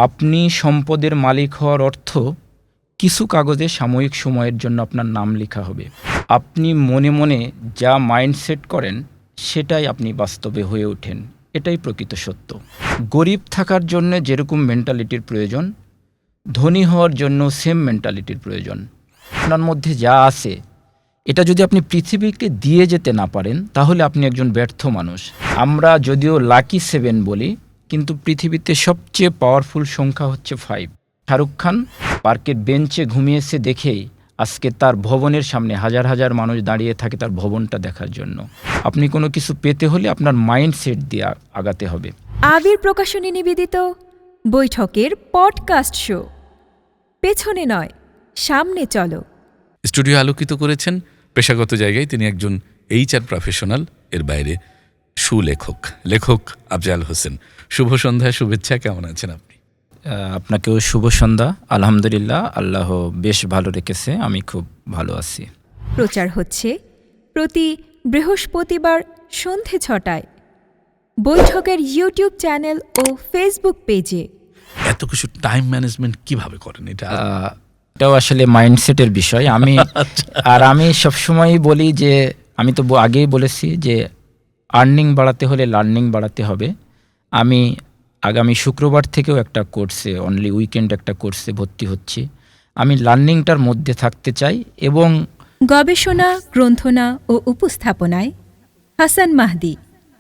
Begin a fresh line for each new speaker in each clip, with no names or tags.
আপনি সম্পদের মালিক হওয়ার অর্থ কিছু কাগজে সাময়িক সময়ের জন্য আপনার নাম লেখা হবে। আপনি মনে মনে যা মাইন্ডসেট করেন সেটাই আপনি বাস্তবে হয়ে ওঠেন, এটাই প্রকৃত সত্য। গরিব থাকার জন্য যেরকম মেন্টালিটির প্রয়োজন, ধনী হওয়ার জন্য সেম মেন্টালিটির প্রয়োজন। আপনার মধ্যে যা আছে এটা যদি আপনি পৃথিবীকে দিয়ে যেতে না পারেন তাহলে আপনি একজন ব্যর্থ মানুষ। আমরা যদিও লাকি 7 বলি, কিন্তু পৃথিবীতে সবচেয়ে পাওয়ারফুল সংখ্যা হচ্ছে 5। শাহরুখ খান পার্কের বেঞ্চে ঘুমিয়েছে দেখেই আজকে তার ভবনের সামনে হাজার হাজার মানুষ দাঁড়িয়ে থাকে তার ভবনটা দেখার জন্য। আপনি কোনো কিছু পেতে হলে আপনার মাইন্ডসেট দিয়ে আগাতে হবে।
আবির প্রকাশনী নিবেদিত বৈঠকের পডকাস্ট শো পেছনে নয় সামনে চলো।
স্টুডিও আলোকিত করেছেন পেশাগত জায়গায় তিনি একজন HR প্রফেশনাল, এর বাইরে সুলেখক, লেখক আফজাল হোসেন। শুভ সন্ধ্যা, শুভেচ্ছা। কেমন আছেন আপনি?
আপনাকেও শুভ সন্ধ্যা। আলহামদুলিল্লাহ, আল্লাহ বেশ ভালো রেখেছে, আমি খুব ভালো আছি।
প্রচার হচ্ছে প্রতি বৃহস্পতিবার সন্ধে 6টায় বৈঠকের ইউটিউব চ্যানেল ও ফেসবুক পেজে।
এত কিছু টাইম ম্যানেজমেন্ট কিভাবে করেন?
এটাও আসলে মাইন্ডসেটের বিষয়। আমি সবসময়ই বলি যে, আমি তো আগেই বলেছি যে আর্নিং বাড়াতে হলে লার্নিং বাড়াতে হবে। আমি আগামী শুক্রবার থেকেও একটা কোর্সে, অনলি উইকেন্ড একটা কোর্সে ভর্তি হচ্ছি। আমি লার্নিংটার মধ্যে থাকতে চাই এবং
গবেষণা, গ্রন্থনা ও উপস্থাপনায় হাসান মাহদি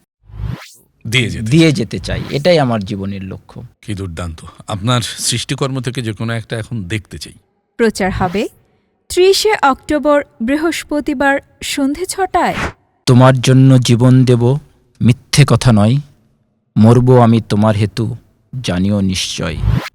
দিয়ে
যেতে চাই, এটাই আমার জীবনের লক্ষ্য।
কি দুর্দান্ত! আপনার সৃষ্টিকর্ম থেকে যে কোনো একটা এখন দেখতে চাই।
প্রচার হবে 30শে অক্টোবর বৃহস্পতিবার সন্ধে 6টায়।
তোমার জন্য জীবন দেব, মিথ্যে কথা নয়, মরব আমি তোমার হেতু, জানিও নিশ্চয়।